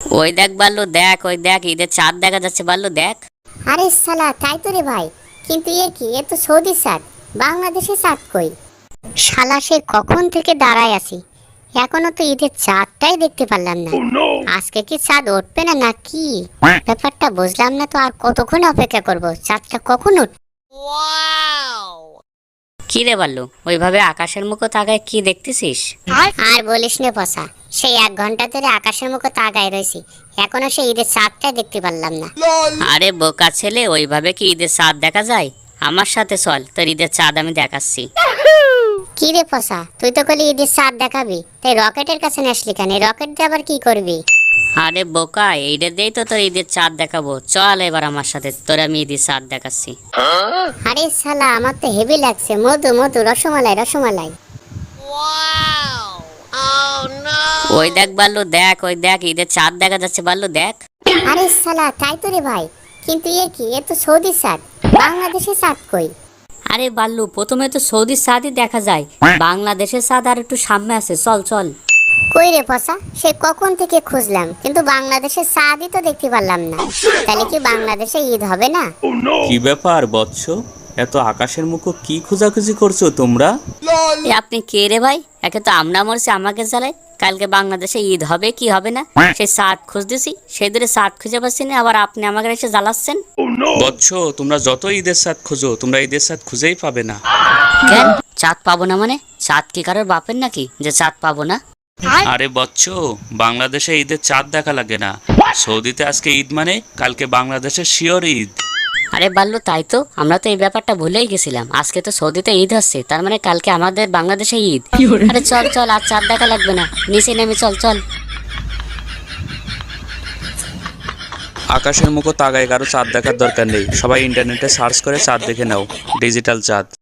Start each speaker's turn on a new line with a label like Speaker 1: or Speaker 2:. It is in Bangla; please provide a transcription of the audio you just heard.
Speaker 1: ওই দেখ বাল্লু দেখ, ওই দেখ ঈদের চাঁদ দেখা যাচ্ছে বাল্লু দেখ।
Speaker 2: আরে সালা তাই তো রে ভাই, কিন্তু এ কি, এ তো সৌদি চাঁদ, বাংলাদেশে চাঁদ কই? শালা সে কখন থেকে দাঁড়ায় আছি, এখনো তো ঈদের চাঁদটাই দেখতে পারলাম না। আজকে কি চাঁদ উঠবে না নাকি? ব্যাপারটা বুঝলাম না তো, আর কতক্ষণ অপেক্ষা করব, চাঁদটা কখন উঠবে?
Speaker 1: কি রে বাল্লু, ওইভাবে আকাশের মুখো তাকায় কি দেখতেছিস?
Speaker 2: আর বলিস নে পসা, সেই 1 ঘন্টা ধরে আকাশের মুখে তাকায় রয়েছি, এখনো সেই ঈদের চাঁদটাই দেখতে পারলাম না।
Speaker 1: আরে বোকা ছেলে, ওইভাবে কি ঈদের চাঁদ দেখা যায়? আমার সাথে চল, তোর ঈদের চাঁদ আমি দেখাচ্ছি।
Speaker 2: কি রে পসা, তুই তো কলি ঈদের চাঁদ দেখাবি, তাই রকেটের কাছে আসলি কেন? রকেট দিয়ে আবার কি করবি?
Speaker 1: আরে বোকা, এইটা দিয়েই তো তোর ঈদের চাঁদ দেখাবো, চল এবার আমার সাথে, তোর আমি ঈদের চাঁদ দেখাচ্ছি।
Speaker 2: আরে শালা আমার তো হেভি লাগছে, মধু মধু, রসমালাই রসমালাই।
Speaker 1: ওই দেখ বাল্লু দেখ, ওই দেখ ঈদের চাঁদ দেখা যাচ্ছে বাল্লু দেখ।
Speaker 2: আরে শালা তাই তো রে ভাই, কিন্তু এ কি, এ তো সৌদি চাঁদ, বাংলাদেশে চাঁদ কই?
Speaker 1: আরে বাল্লু, প্রথমে তো সৌদির চাঁদই দেখা যায়, বাংলাদেশের চাঁদ আর একটু সামনে আছে, চল চল।
Speaker 2: কই রে পসা, সে কখন থেকে খুঁজলাম, কিন্তু বাংলাদেশের চাঁদই তো দেখতে পারলাম না। তাহলে কি বাংলাদেশে ঈদ হবে না?
Speaker 3: কি ব্যাপার বৎস, এত আকাশের মুখো কি খোঁজাখুঁজি করছো তোমরা?
Speaker 1: এ আপনি কে রে ভাই? একে তো আমরা মরছি আমাকে জ্বালাই, কালকে বাংলাদেশে ঈদ হবে কি হবে না সেই চাঁদ খুঁজতেছি, সেই দূরে চাঁদ খুঁজে পাচ্ছি না, আবার আপনি আমাকে এসে জ্বালাচ্ছেন।
Speaker 3: বৎস, তোমরা যত ঈদের সাথ খোঁজো, তোমরা ঈদের সাথ খুঁজেই পাবে না।
Speaker 1: কেন চাঁদ পাবো না মানে? চাঁদ কি কারোর বাপের নাকি যে চাঁদ পাবো না?
Speaker 3: আরে বৎস, বাংলাদেশে ঈদের চাঁদ দেখা লাগে না। সৌদিতে আজকে ঈদ মানে কালকে বাংলাদেশের শিওর ঈদ।
Speaker 1: আরে বাল্লু তাই তো, আমরা তো এই ব্যাপারটা ভুলেই গেছিলাম, আজকে তো সৌদিতে ঈদ হচ্ছে, তার মানে কালকে আমাদের বাংলাদেশে ঈদ। আরে চল চল, আর চাঁদ দেখা লাগবে না, নিচে নেমে চল চল।
Speaker 3: আকাশের মুখো তাকায় কারো চাঁদ দেখার দরকার নেই, সবাই ইন্টারনেটে সার্চ করে চাঁদ দেখে নাও, ডিজিটাল চাঁদ।